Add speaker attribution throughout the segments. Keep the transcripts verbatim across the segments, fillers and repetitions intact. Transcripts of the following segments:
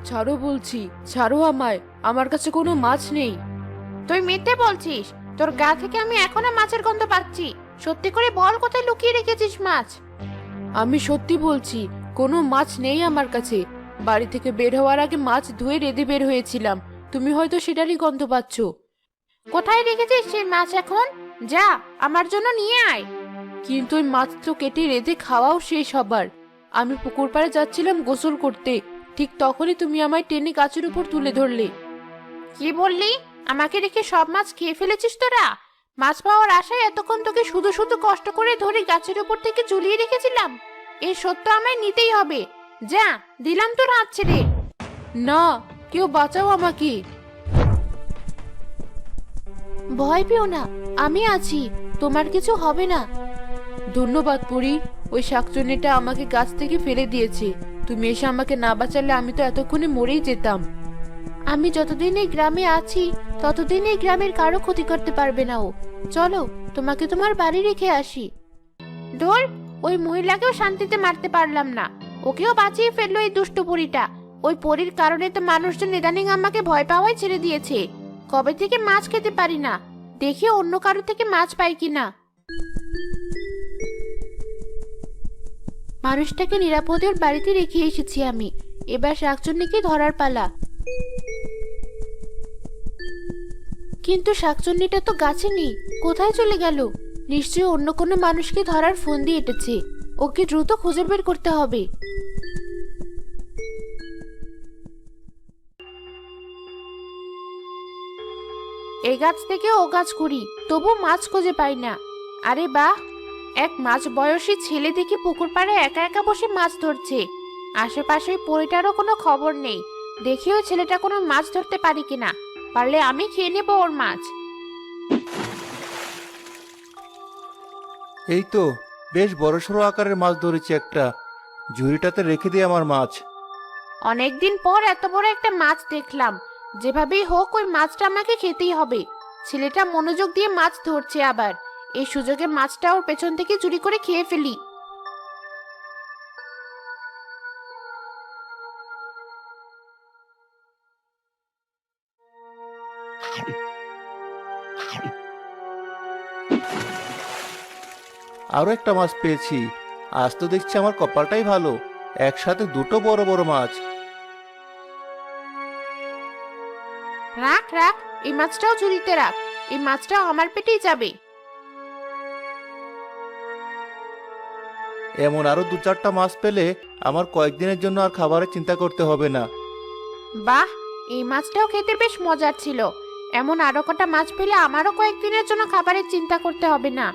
Speaker 1: ছাড়ো বলছি, ছাড়ো আমায়, আমার কাছে কোনো মাছ নেই।
Speaker 2: তুই মিথ্যে বলছিস, তোর গা থেকে আমি এখনো মাছের গন্ধ পাচ্ছি। সত্যি করে বল, কোথায় লুকিয়ে রেখেছিস মাছ?
Speaker 1: আমি সত্যি বলছি, কোনো মাছ নেই আমার কাছে। বাড়ি থেকে বের হওয়ার আগে মাছ ধুয়ে রেঁধে বের হয়েছিলাম, তুমি হয়তো সেটারই গন্ধ পাচ্ছ।
Speaker 2: কোথায় রেখেছিস সেই মাছ এখন? যা, আমার জন্য নিয়ে আয়।
Speaker 1: কিন্তু ওই মাছ তো কেটে রেঁধে খাওয়াও শেষ হবার। আমি পুকুর পাড়ে যাচ্ছিলাম গোসল করতে, ঠিক তখনই তুমি আমায় টেনে গাছের উপর তুলে ধরলে।
Speaker 2: কি বললি? আমাকে রেখে সব মাছ খেয়ে ফেলেছিস তোরা? মাছ পাওয়ার আশায় এতক্ষণ তোকে শুধু শুধু কষ্ট করে ধরে গাছের উপর থেকে ঝুলিয়ে রেখেছিলাম। এই সত্য আমায় নিতেই হবে। যা, দিলাম তোর হাত ছেড়ে।
Speaker 1: না, কেউ বাঁচাও আমাকে।
Speaker 2: ভয় পেও না, আমি আছি, তোমার কিছু হবে না।
Speaker 1: ধন্যবাদ পুরি, ওই শাকচুন্নিটা আমাকে গাছ থেকে ফেলে দিয়েছে। তুমি এসে আমাকে না বাঁচালে আমি তো এতক্ষণে মরেই যেতাম।
Speaker 2: আমি যতদিন এই গ্রামে আছি ততদিন এই গ্রামের কারো ক্ষতি করতে পারবে না ও। চলো, তোমাকে তোমার বাড়ি রেখে আসি। দূর, ওই মহিলাকেও শান্তিতে মারতে পারলাম না, ওকেও বাঁচিয়ে ফেললো এই দুষ্ট পরীটা। ওই পরীর কারণে তো মানুষজন ইদানিং আমাকে ভয় পাওয়াই ছেড়ে দিয়েছে। কবে থেকে মাছ খেতে পারি না, দেখি অন্য কারো থেকে মাছ পাই কিনা। মানুষটাকে নিরাপদে ওর বাড়িতে রেখে এসেছি আমি। এবার শাকচুন্নিকে ধরার পালা। কিন্তু শাকচুন্নিটা তো গাছে নেই, কোথায় চলে গেল? নিশ্চয়ই অন্য কোনো মানুষকে ধরার ফোন দিয়ে এটেছে। ওকে দ্রুত খুঁজে বের করতে হবে। এই গাছ থেকে ও গাছ ঘুরি, তবু মাছ খুঁজে পাই না। আরে বাহ, এক মাছ বয়সী ছেলে দেখি পুকুর পাড়ে একা একা বসে মাছ ধরছে। আশেপাশে ওই পরিটারও কোনো খবর নেই। দেখি ওই ছেলেটা কোনো মাছ ধরতে পারি কিনা, পারলে আমি খেয়ে নেবো ওর মাছ।
Speaker 3: এই তো বেশ বড়সড় আকারের মাছ ধরেছি একটা। ঝুড়িটাতে রেখে দিই আমার মাছ।
Speaker 2: অনেকদিন পর এত বড় একটা মাছ দেখলাম। যেভাবেই হোক ওই মাছটা আমাকে খেতেই হবে। ছেলেটা মনোযোগ দিয়ে মাছ ধরছে, আবার এই সুযোগে মাছটা ওর পেছন থেকে চুরি করে খেয়ে ফেলি।
Speaker 3: আরো একটা মাছ পেয়েছি। আজ তো দেখছি আমার কপালটাই ভালো, একসাথে দুটো বড় বড় মাছ।
Speaker 2: রাখ রাখ, এই মাছটাও ঝুড়িতে রাখ। এই মাছটাও আমার পেটেই যাবে।
Speaker 3: এমন আরো দু চারটা মাছ পেলে আমার কয়েকদিনের জন্য আর খাবারের চিন্তা করতে হবে না।
Speaker 2: বাহ, এই মাছটাও খেতে বেশ মজার ছিল। এমন আরো কটা মাছ পেলে আমারও কয়েকদিনের জন্য খাবারের চিন্তা করতে হবে না।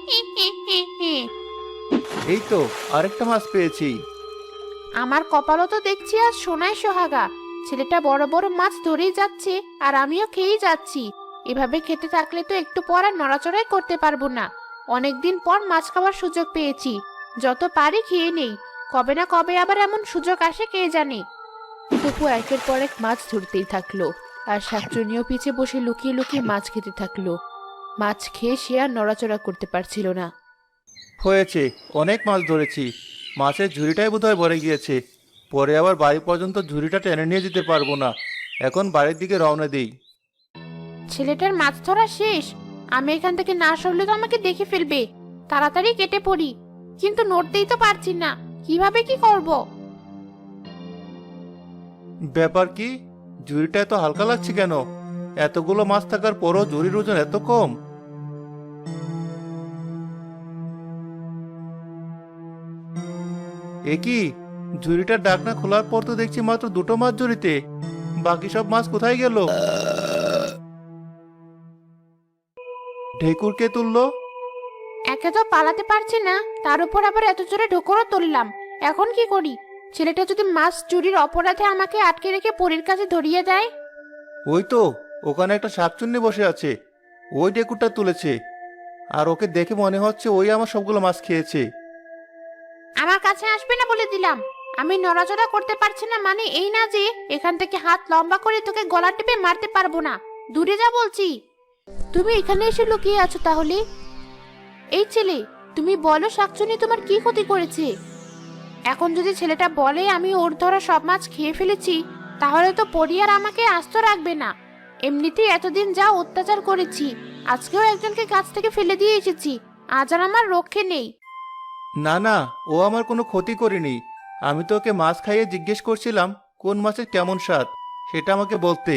Speaker 3: এই তো আরেকটা মাছ পেয়েছি।
Speaker 2: আমার কপালও তো দেখছি আজ সোনায় সোহাগা। ছেলেটা বড় বড় মাছ ধরেই যাচ্ছে, আর আমিও খেয়েই যাচ্ছি। এভাবে খেতে থাকলে তো একটু পর আর নড়াচড়াই করতে পারবো না। অনেকদিন পর মাছ খাওয়ার সুযোগ পেয়েছি, যত পারি খেয়ে নেই। কবে না কবে আবার এমন সুযোগ আসে কে জানে।
Speaker 1: তপু একের পর এক মাছ ধরতেই থাকলো, আর শাকচুন্নিও পিছে বসে লুকিয়ে লুকিয়ে মাছ খেতে থাকলো। মাছ খেয়ে সে আর নড়াচড়া করতে পারছিল না।
Speaker 3: হয়েছে, অনেক মাছ ধরেছি। মাছের ঝুড়িটাই বোধহয় ভরে গিয়েছে। পরে আবার বাড়ি পর্যন্ত ঝুড়িটা টেনে নিয়ে যেতে পারবো না। এখন বাড়ির দিকে রওনা দিই।
Speaker 2: ছেলেটার মাছ ধরা শেষ। আমি এখান থেকে না সরলে তো আমাকে দেখে ফেলবে। তাড়াতাড়ি কেটে পড়ি, কিন্তু নড়তেই তো পারছি না। কিভাবে কি করব?
Speaker 3: ব্যাপার কি? ঝুড়িটা এত হালকা লাগছে কেন? এতগুলো মাছ থাকার পরও ঝুড়ির ওজন এত কম। এ কি? ঝুড়িটার ঢাকনা খোলার পর তো দেখছি মাত্র দুটো মাছ ঝুড়িতে। বাকি সব মাছ কোথায় গেল? ঢেকুর কে তুললো?
Speaker 2: একে তো পালাতে পারছি না, তার উপর আবার এত জোরে ঢোকরও তুললাম। এখন কি করি? ছেলেটা যদি মাছ চুরির অপরাধে আমাকে আটকে রেখে পরীর কাছে ধরিয়ে দেয়?
Speaker 3: ওই তো ওখানে একটা শাকচুন্নি বসে আছে, ওই ঢেকুরটা তুলেছে। আর ওকে দেখে মনে হচ্ছে ওই আমার সবগুলো মাছ খেয়েছে।
Speaker 2: আমার কাছে আসবে না বলে দিলাম। আমি নড়াচড়া করতে পারছি না মানে এই না যে এখান থেকে হাত লম্বা করে তোকে গলা টিপে মারতে পারবো না। দূরে যা বলছি। তুমি এখানে এসে লুকিয়ে আছো তাহলে? এই ছেলে, তুমি বলো শাকচুন্নি তোমার কি ক্ষতি করেছে? এখন যদি ছেলেটা বলে আমি ওর ধরা সব মাছ খেয়ে ফেলেছি, তাহলে তো পরি আর আমাকে আস্ত রাখবে না। এমনিতেই এতদিন যা অত্যাচার করেছি, আজকেও একজনকে গাছ থেকে ফেলে দিয়ে এসেছি, আজ আর আমার রক্ষে নেই।
Speaker 3: না না, ও আমার কোনো ক্ষতি করেনি। আমি তো ওকে মাছ খাইয়ে জিজ্ঞেস করছিলাম কোন মাছের কেমন স্বাদ, সেটা আমাকে বলতে।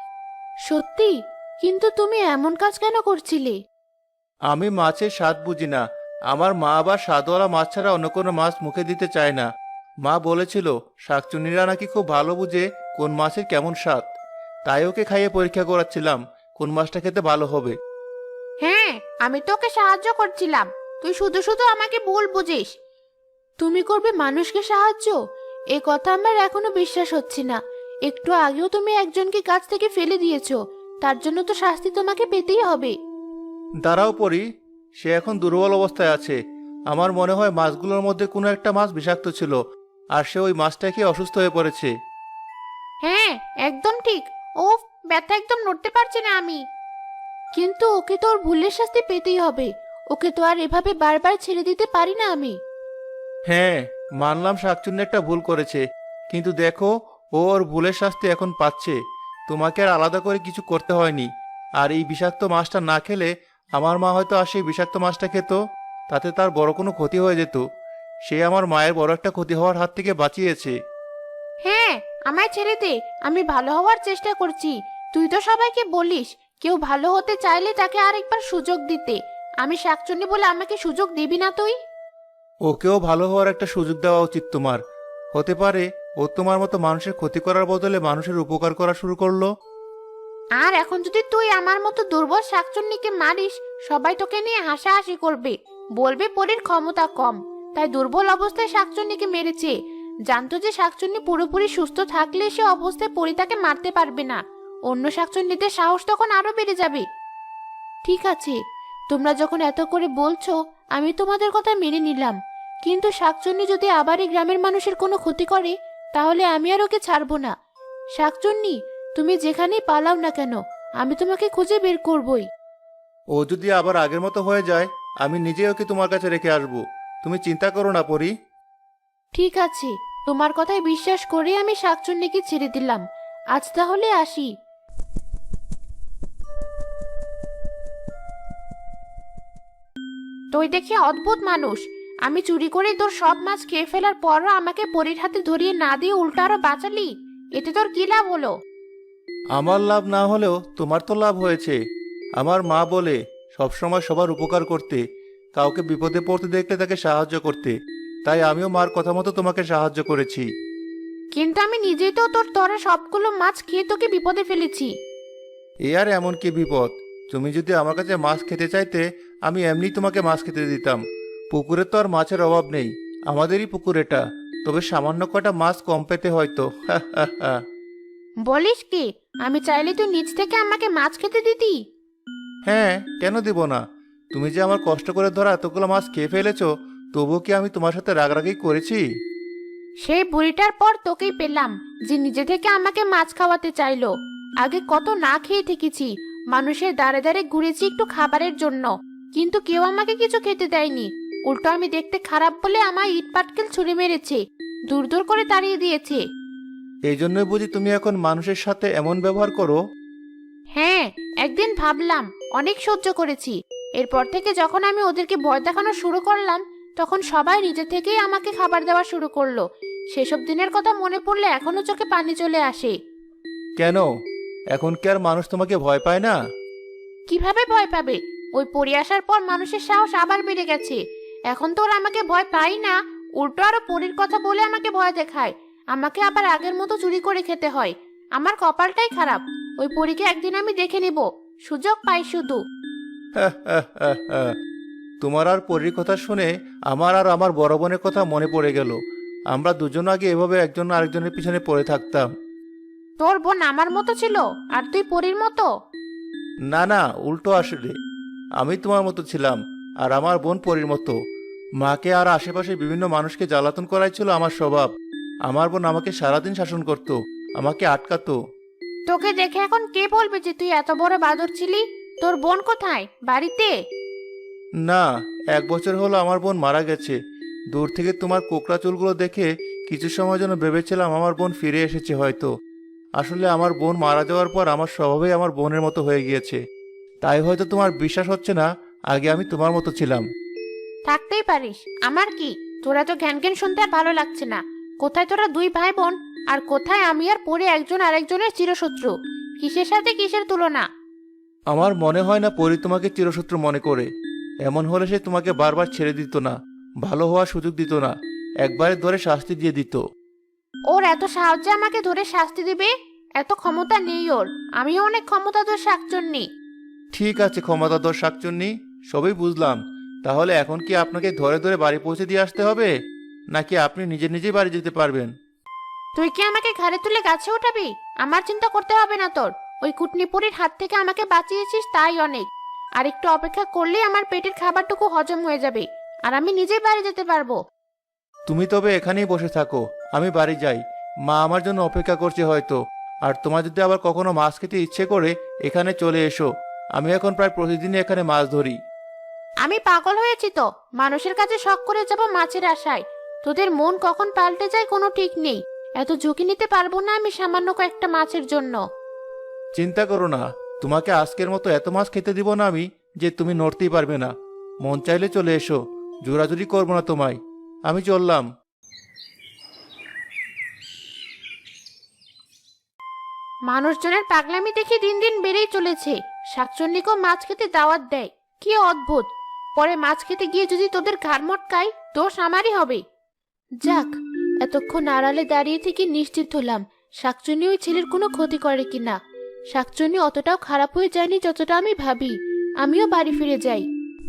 Speaker 2: সত্যি? কিন্তু তুমি এমন কাজ কেন করছিলে?
Speaker 3: আমি মাছের স্বাদ বুঝি না। আমার মা আবার স্বাদওয়ালা মাছ ছাড়া অন্য কোনো মাছ মুখে দিতে চায় না। মা বলেছিল শাকচুন্নিরা নাকি খুব ভালো বুঝে কোন মাছের কেমন স্বাদ। তাই ওকে খাইয়ে পরীক্ষা করাচ্ছিলাম কোন মাছটা খেতে ভালো হবে।
Speaker 2: হ্যাঁ, আমি তোকে সাহায্য করছিলাম, তুই শুধু শুধু আমাকে ভুল বুঝিস। তুমি করবে মানুষকে সাহায্য? এ কথা আমার এখনো বিশ্বাস হচ্ছে না। একটু আগেও তুমি একজনকে গাছ থেকে ফেলে দিয়েছো, তার জন্য তো শাস্তি তোমাকে পেতেই হবে।
Speaker 3: দাঁড়াও পরি, সে এখন দুর্বল অবস্থায় আছে। আমার মনে হয় মাছগুলোর মধ্যে কোনো একটা মাছ বিষাক্ত ছিল, আর সে ওই মাছটা খেয়ে অসুস্থ হয়ে পড়েছে।
Speaker 2: হ্যাঁ, একদম ঠিক। ও, ব্যথা, একদম নড়তে পারছি না আমি। কিন্তু ওকে তো ওর ভুলের শাস্তি পেতেই হবে। ওকে তো আর এভাবে বারবার ছেড়ে দিতে পারি না আমি।
Speaker 3: হ্যাঁ, মানলাম শাকচুন্নি একটা ভুল করেছে, কিন্তু দেখো, ও ওর ভুলের শাস্তি এখন পাচ্ছে। তোমাকে আর আলাদা করে কিছু করতে হয়নি। আর এই বিষাক্ত মাছটা না খেলে আমার মা হয়তো আর সেই বিষাক্ত মাছটা খেত, তাতে তার বড় কোনো ক্ষতি হয়ে যেত। সে আমার মায়ের বড় একটা ক্ষতি হওয়ার হাত থেকে বাঁচিয়েছে।
Speaker 2: হ্যাঁ, আমায় ছেড়ে দে, আমি ভালো হওয়ার চেষ্টা করছি। তুই তো সবাইকে বলিস কেউ ভালো হতে চাইলে তাকে আরেকবার সুযোগ দিতে। আমি শাকচুন্নি বলে আমাকে সুযোগ দিবি না তুই?
Speaker 3: ওকেও ভালো হওয়ার একটা সুযোগ দেওয়া উচিত তোমার। হতে পারে ও তোমার মতো মানুষের ক্ষতি করার বদলে মানুষের উপকার করা শুরু করলো।
Speaker 2: আর এখন যদি তুই আমার মতো দুর্বল শাকচুন্নিকে মারিস, সবাই তোকে নিয়ে হাসাহাসি করবে, বলবে পরীর ক্ষমতা কম, তাই দুর্বল অবস্থায় শাকচুন্নিকে মেরেছে। জানতো যে শাকচুন্নি পুরোপুরি সুস্থ থাকলে সে অবস্থায় পরী তাকে মারতে পারবে না। অন্য শাকচুন্নিদের সাহস তখন আরো বেড়ে যাবে। ঠিক আছে, তোমরা যখন এত করে বলছো, আমি তোমাদের কথা মেনে নিলাম। কিন্তু শাকচুন্নি যদি আবার এই গ্রামের মানুষের কোনো ক্ষতি করে, তাহলে আমি আর ওকে ছাড়বো না। শাকচুন্নি, তুমি যেখানেই পালাও না কেন, আমি তোমাকে খুঁজে বের করবই।
Speaker 3: ও যদি আবার আগের মতো হয়ে যায়, আমি নিজে ওকে তোমার কাছে রেখে আসবো। তুমি চিন্তা করো না পরি।
Speaker 2: ঠিক আছে, তোমার কথায় বিশ্বাস করে আমি শাকচুন্নিকে ছেড়ে দিলাম। আজ তাহলে আসি। তুই দেখি অদ্ভুত মানুষ। আমি চুরি করে তোর সব মাছ খেয়ে ফেলার পরও আমাকে পরীর হাতে ধরিয়ে না দিয়ে উল্টো আরো বাঁচালি। এতে তোর কি লাভ হলো?
Speaker 3: আমার লাভ না হলেও তোমার তো লাভ হয়েছে। আমার মা বলে সবসময় সবার উপকার করতে, কাউকে বিপদে পড়তে দেখলে তাকে সাহায্য করতে। তাই আমিও মার কথা মতো তোমাকে সাহায্য করেছি।
Speaker 2: কিন্তু আমি নিজেই তো তোর তরে সবগুলো মাছ খেয়ে তোকে বিপদে ফেলেছি।
Speaker 3: এ আর এমন কি বিপদ? তুমি যদি আমার কাছে মাছ খেতে চাইতে, আমি এমনি তোমাকে মাছ খেতে দিতাম। পুকুরে তো আর মাছের অভাব নেই, আমাদেরই পুকুর এটা। তবে সামান্য কটা মাছ কম পেতে হয়তো। হা হা হা।
Speaker 2: বলিস কি? আমি চাইলে তুই নিজ থেকে আমাকে মাছ খেতে দিতি।
Speaker 3: হ্যাঁ, কেন দিব না? তুমি যে আমার কষ্ট করে ধরা এতগুলো মাছ খেয়ে ফেলেছো, তবুও কি আমি তোমার সাথে রাগারাগি করেছি?
Speaker 2: সেই বুড়িটার পর তোকেই পেলাম, যে নিজে থেকে আমাকে মাছ খাওয়াতে চাইলো। আগে কত না খেয়ে থেকেছি, মানুষের দাঁড়ে দাঁড়ে ঘুরেছি একটু খাবারের জন্য, কিন্তু কেউ আমাকে কিছু খেতে দেয়নি। উল্টো আমি দেখতে খারাপ বলে আমায় ইট পাটকেল ছুঁড়ে মেরেছে, দূর দূর করে তাড়িয়ে দিয়েছে।
Speaker 3: এই জন্যই বুঝি তুমি এখন মানুষের সাথে এমন ব্যবহার করো?
Speaker 2: হ্যাঁ, একদিন ভাবলাম অনেক সহ্য করেছি। এরপর থেকে যখন আমি ওদেরকে ভয় দেখানো শুরু করলাম, তখন সবাই নিজে থেকেই আমাকে খাবার দেওয়া শুরু করলো। সেসব দিনের কথা মনে পড়লে এখনো চোখে পানি চলে আসে।
Speaker 3: কেন? এখন কি আর মানুষ তোমাকে ভয় পায় না?
Speaker 2: কিভাবে ভয় পাবে? ওই পড়ে আসার পর মানুষের সাহস আবার বেড়ে গেছে। এখন তো ওরা আমাকে ভয় পাই না, উল্টো আরো পরীর কথা বলে আমাকে ভয় দেখায়। আমাকে আবার আগের মতো চুরি করে খেতে হয়। আমার কপালটাই খারাপ। ওই পরীকে একদিন আমি দেখে নিব, সুযোগ পাই শুধু।
Speaker 3: হা হা হা হা। তোমার আর পরীর কথা শুনে আমার আর আমার বড় বোনের কথা মনে পড়ে গেল। আমরা দুজন আগে এভাবে একজন আরেকজনের পিছনে পড়ে থাকতাম।
Speaker 2: তোর বোন আমার মতো ছিল আর তুই পরীর মতো?
Speaker 3: না না, উল্টো আসলে আমি তোমার মতো ছিলাম, আর আমার বোন পরীর মতো। মাকে আর আশেপাশে বিভিন্ন মানুষকে জ্বালাতন করাই ছিল আমার স্বভাব। আমার বোন আমাকে সারাদিন শাসন করত, আমাকে আটকাতো।
Speaker 2: তোকে দেখে এখন কে বলবে যে তুই এত বড় বাদর ছিলি? তোর বোন কোথায়, বাড়িতে?
Speaker 3: না, এক বছর হলো আমার বোন মারা গেছে। দূর থেকে তোমার কোকড়া চুলগুলো দেখে কিছু সময় জন্য ভেবেছিলাম আমার বোন ফিরে এসেছে হয়তো। আসলে আমার বোন মারা যাওয়ার পর আমার স্বভাবই আমার বোনের মতো হয়ে গিয়েছে। তাই হয়তো তোমার বিশ্বাস হচ্ছে না, আগে আমি তোমার মতো ছিলাম।
Speaker 2: থাকতেই পারিস, আমার কি? তোরা তো জ্ঞান জ্ঞান শুনতে আর ভালো লাগছে না। কোথায় তোরা দুই ভাই বোন, আর কোথায় আমি আর পরে একজন আরেকজনের চিরশত্রু? কিসের সাথে কিসের তুলনা?
Speaker 3: আমার মনে হয় না পরি তোমাকে চিরশত্রু মনে করে। এমন হলে সে তোমাকে বারবার ছেড়ে দিত না, ভালো হওয়ার সুযোগ দিত না, একবারে ধরে শাস্তি দিয়ে দিত।
Speaker 2: ওর এত সাহায্যে আমাকে ধরে শাস্তি দিবে? এত ক্ষমতা নেই ওর। আমিও অনেক ক্ষমতা তোর শাকচন্নি।
Speaker 3: ঠিক আছে ক্ষমতাধর শাকচুন্নি, সবই বুঝলাম। তাহলে এখন কি আপনাকে ধরে ধরে বাড়ি পৌঁছে দিয়ে আসতে হবে, নাকি আপনি নিজে নিজেই বাড়ি যেতে পারবেন?
Speaker 2: তুই কি আমাকে ঘাড়ে তুলে গাছে উঠাবি? আমার চিন্তা করতে হবে না তোর। ওই কুটনিপুরির হাত থেকে আমাকে বাঁচিয়েছিস, তাই অনেক। আর একটু অপেক্ষা করলেই আমার পেটের খাবারটুকু হজম হয়ে যাবে, আর আমি নিজেই বাড়ি যেতে পারবো।
Speaker 3: তুমি তবে এখানেই বসে থাকো, আমি বাড়ি যাই। মা আমার জন্য অপেক্ষা করছে হয়তো। আর তোমার যদি আবার কখনো মাছ খেতে ইচ্ছে করে এখানে চলে এসো। আমি এখন প্রায় প্রতিদিনই এখানে মাছ ধরি।
Speaker 2: আমি পাগল হয়েছি তো, মানুষের কাছে শখ করে যাব মাছের আশায়। তোদের মন কখন পাল্টে যায় কোনো ঠিক নেই। এত ঝুঁকি নিতে পারবো না আমি সামান্য কয়েকটা মাছের জন্য।
Speaker 3: চিন্তা করো না, তোমাকে আজকের মতো এত মাছ খেতে দিব না আমি যে তুমি নড়তেই পারবে না। মন চাইলে চলে এসো, জোরাজুরি করবো না তোমায়। আমি চললাম।
Speaker 2: মানুষজনের পাগলামি দেখে দিন দিন বেড়েই চলেছে। শাকচন্নিকেও মাছ খেতে দাওয়াত দেয়, কি অদ্ভুত। পরে মাছ খেতে গিয়ে যদি তোদের ঘাড় মটকাই, দোষ আমারই হবে।
Speaker 1: যাক, এতক্ষণ আড়ালে দাঁড়িয়ে থেকে নিশ্চিত হলাম শাকচুনি ওই ছেলের কোনো ক্ষতি করে কিনা। শাকচুনি অতটাও খারাপ হয়ে যায়নি যতটা আমি ভাবি। আমিও বাড়ি ফিরে যাই।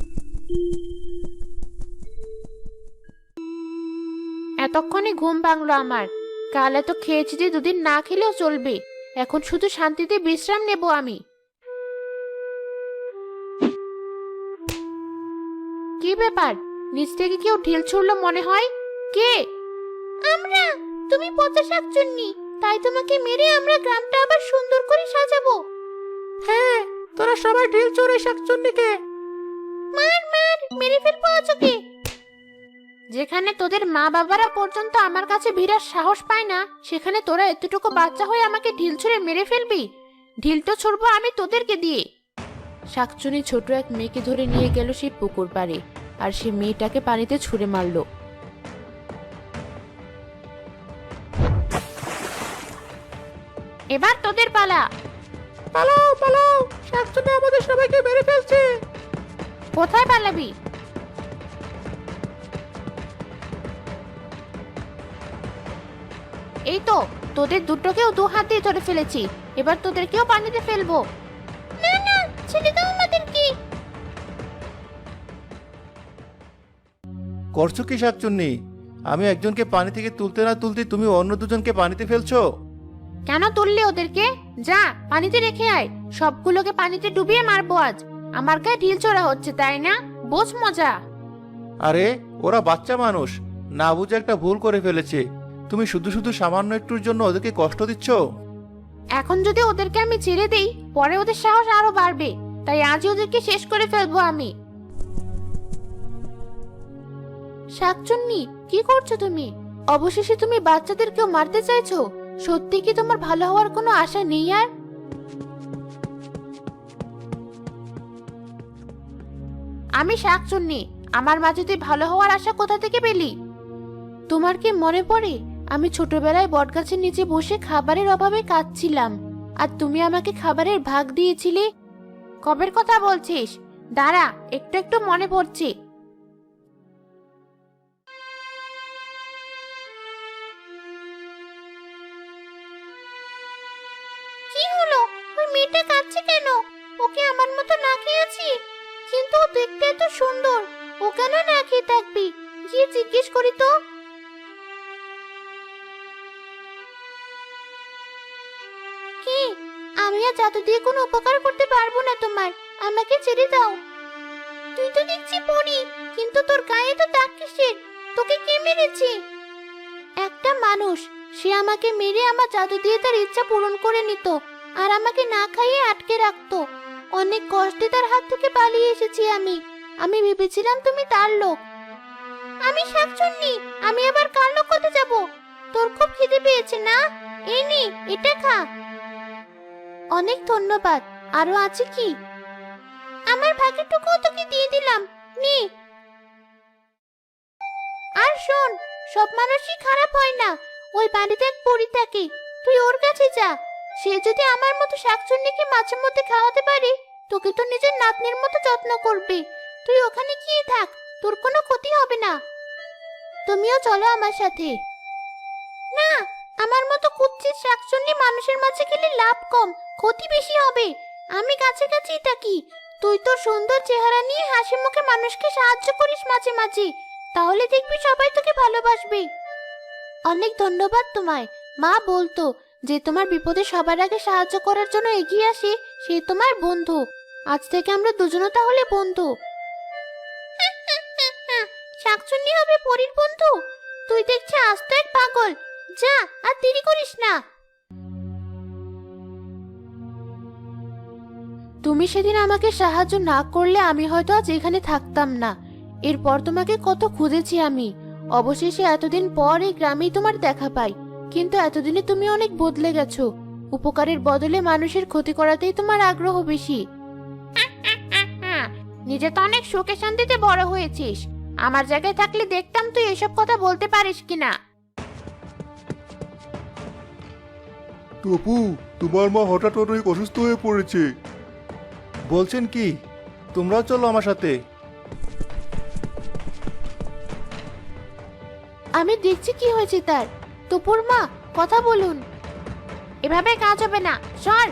Speaker 2: এতক্ষণে ঘুম ভাঙলো আমার। কাল এত খেয়েছি যে দুদিন না খেলেও চলবে। এখন শুধু শান্তিতে বিশ্রাম নেব আমি। কি ব্যাপার? নিচ থেকে কেউ ঢিল ছুড়লো মনে হয়। কে? আমরা। তুমি পচা শাকচুন্নি, তাই তোমাকে মেরে আমরা গ্রামটা আবার সুন্দর করে সাজাবো।
Speaker 3: হ্যাঁ, তোরা সবাই ঢিল চড়ে শাকচুন্নিকে।
Speaker 2: মার মার, মেরে ফেলবো আজকে। যেখানে তোদের মা বাবারা পর্যন্ত আমার কাছে ভিড়ার সাহস পায় না, সেখানে তোরা এতটুকু বাচ্চা হয়ে আমাকে ঢিল ছুঁড়ে মেরে ফেলবি? ঢিল তো ছুড়বো আমি তোদেরকে দিয়ে।
Speaker 1: শাকচুনি ছোট এক মেয়েকে ধরে নিয়ে গেল সেই পুকুর পাড়ে, আর সে মেয়েটাকে পানিতে ছুঁড়ে মারলো।
Speaker 2: এবার তোদের পালা।
Speaker 3: পালাও পালাও, শাকচুন্নি আমাদের সবাইকে মেরে ফেলছে।
Speaker 2: কোথায় পালাবি? এই তো, তোদের দুটোকেও দু হাত দিয়ে ধরে ফেলেছি। এবার তোদেরকেও পানিতে ফেলবো। না না, ছেড়ে দাও আমাদেরকে।
Speaker 3: করছো কি শাকচুন্নি? আমি একজনকে পানি থেকে তুলতে না তুলতে তুমি অন্য দুজনকে পানিতে ফেলছো।
Speaker 2: কেন তুললি ওদেরকে? যা পানিতে রেখে আয়। সবগুলোকে পানিতে ডুবিয়ে মারবো আজ। আমার গায়ে ঢিল ছোড়া হচ্ছে, তাই না? বোঝ মজা।
Speaker 3: আরে ওরা বাচ্চা মানুষ, না বুঝে একটা ভুল করে ফেলেছে। তুমি শুধু শুধু সামান্য একটুর জন্য ওদেরকে কষ্ট দিচ্ছ।
Speaker 2: এখন যদি ওদেরকে আমি ছেড়ে দেই, পরে ওদের সাহস আরো বাড়বে। তাই আজই ওদেরকে শেষ করে ফেলবো আমি।
Speaker 1: শাকচুন্নি, কি করছো তুমি? অবশেষে তুমি বাচ্চাদেরকেও মারতে চাইছো? সত্যি কি তোমার ভালো হওয়ার কোনো আশা নেই আর?
Speaker 2: আমি শাকচুন্নি, আমার মাঝে তুই ভালো হওয়ার আশা কোথা থেকে পেলি?
Speaker 1: তোমার কি মনে পড়ে আমি ছোটবেলায় বটগাছের নিচে বসে খাবারের অভাবে কাঁদছিলাম, আর তুমি আমাকে খাবারের ভাগ দিয়েছিলে?
Speaker 2: কবের কথা বলছিস? দাঁড়া, একটু একটু মনে পড়ছে। কি হলো? ওই মেয়েটা কাঁদছে কেন? ওকে আমার মতো না খেয়েছি, কিন্তু ও দেখতে এত সুন্দর। ও কেন না খেয়ে থাকবি? গিয়ে জিজ্ঞেস করি তো। কি? আমি আর জাদু দিয়ে কোনো উপকার করতে পারবো না তোমার। আমাকে ছেড়ে দাও। তুই তো দেখছি পড়ি, কিন্তু তোর গায়ে তো দাগ কিসের? তোকে কে মেরেছে?
Speaker 1: একটা মানুষ, সে আমাকে মেরে আমার জাদু দিয়ে তার ইচ্ছা পূরণ করে নিত, আর আমাকে না খাইয়ে আটকে রাখতো। অনেক কষ্টে তার হাত থেকে পালিয়ে এসেছি আমি। আমি ভেবেছিলাম তুমি তার লোক।
Speaker 2: আমি শাকচুন্নি, আমি আবার কার লোক হতে যাব? তোর খুব খিদে পেয়েছে না?
Speaker 1: এই নে এটা খা। অনেক ধন্যবাদ। আরো আছে কি? আমার ভাগেরটুকু তোকে দিয়ে দিলাম, নে। আর শোন, সব মানুষই খারাপ হয় না। ওই বাড়িতে এক পরী থাকে, তুই ওর কাছে যা। সে যদি আমার মতো শাকচুন্নিকে মাঝে মধ্যে খাওয়াতে পারে, তোকে তো নিজের নাতনির মতো যত্ন করবে। তুই ওখানে গিয়ে থাক, তোর কোনো ক্ষতি হবে না। তুমিও চলো আমার সাথে। না, আমার মতো কুৎসিত শাকচুন্নি মানুষের মাঝে গেলে লাভ কম, ক্ষতি বেশি হবে। আমি কাছে কাছেই থাকি। তুই তোর সুন্দর চেহারা নিয়ে হাসি মুখে মানুষকে সাহায্য করিস মাঝে মাঝে, তাহলে দেখবি সবাই তোকে ভালোবাসবে। অনেক ধন্যবাদ তোমায়। মা বলতো যে তোমার বিপদে সবার আগে সাহায্য করার জন্য এগিয়ে আসে সে তোমার বন্ধু। আজ থেকে আমরা দুজনও তাহলে বন্ধু। শাকচুন্নি হবে পরীর বন্ধু? তুই দেখছি আস্ত এক পাগল। যা, আর দেরি করিস না।
Speaker 2: তুমি সেদিন আমাকে সাহায্য না করলে আমি হয়তো আজ এখানে থাকতাম না। এরপর তোমাকে কত খুঁজেছি আমি। অবশেষে এতদিন পর এই গ্রামেই তোমার দেখা পাই। কিন্তু এতদিনে তুমি অনেক বদলে গেছো। উপকারের বদলে মানুষের ক্ষতি করাতেই তোমার আগ্রহ বেশি।
Speaker 1: নিজে তো অনেক সুখে শান্তিতে বড় হয়েছিস। আমার জায়গায় থাকলে দেখতাম তুই এসব কথা বলতে পারিস কিনা।
Speaker 4: টপু, তোমার মা হঠাৎ অনেক অসুস্থ হয়ে পড়েছে।
Speaker 3: বলছেন কি? তোমরাও চলো আমার সাথে।
Speaker 2: আমি দেখছি কি হয়েছে তার। টুপুর মা, কথা বলুন।
Speaker 1: এভাবে কাজ হবে না, সর।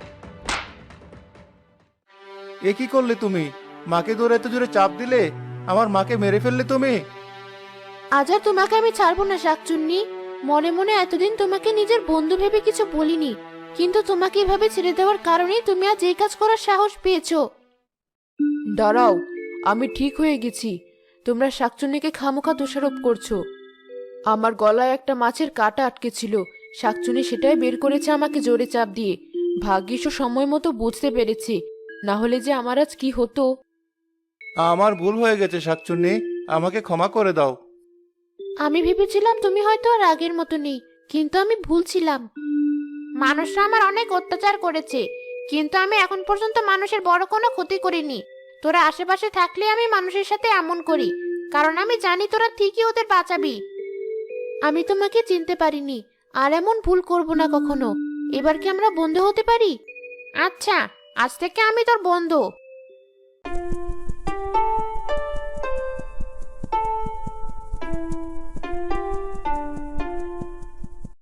Speaker 3: এ কি করলে তুমি? মাকে ধরে এত জোরে চাপ দিলে, আমার মাকে মেরে ফেললে তুমি।
Speaker 2: আজ আর তোমাকে আমি ছাড়বো না শাকচুন্নি। মনে মনে এতদিন তোমাকে নিজের বন্ধু ভেবে কিছু বলিনি, কিন্তু তোমাকে এভাবে ছেড়ে দেওয়ার কারণেই তুমি আজ এই কাজ করার সাহস পেয়েছো। দাঁড়াও, আমি ঠিক হয়ে গেছি। তোমরা শাকচুন্নিকে খামোখা দোষারোপ করছো। আমার গলায় একটা মাছের কাঁটা আটকে ছিল, শাকচুন্নি সেটাই বের করেছে আমাকে জোরে চাপ দিয়ে। ভাগ্যিস ও সময় মতো বুঝতে পেরেছে, না হলে যে আমার আজ কি হতো।
Speaker 3: আমার ভুল হয়ে গেছে শাকচুন্নি, আমাকে ক্ষমা করে দাও।
Speaker 2: আমি ভেবেছিলাম তুমি হয়তো আর আগের মতো নেই, কিন্তু আমি ভুল ছিলাম।
Speaker 1: মানুষরা আমার অনেক অত্যাচার করেছে, কিন্তু আমি এখন পর্যন্ত মানুষের বড় কোনো ক্ষতি করিনি। তোরা আশেপাশে থাকলে আমি মানুষের সাথে এমন করি, কারণ আমি জানি তোরা ঠিকই ওদের বাঁচাবি।
Speaker 2: আমি তোমাকে চিনতে পারিনি, আর এমন ভুল করব না কখনো। এবার কি আমরা বন্ধু হতে পারি?
Speaker 1: আচ্ছা, আজ থেকে আমি তোর বন্ধু।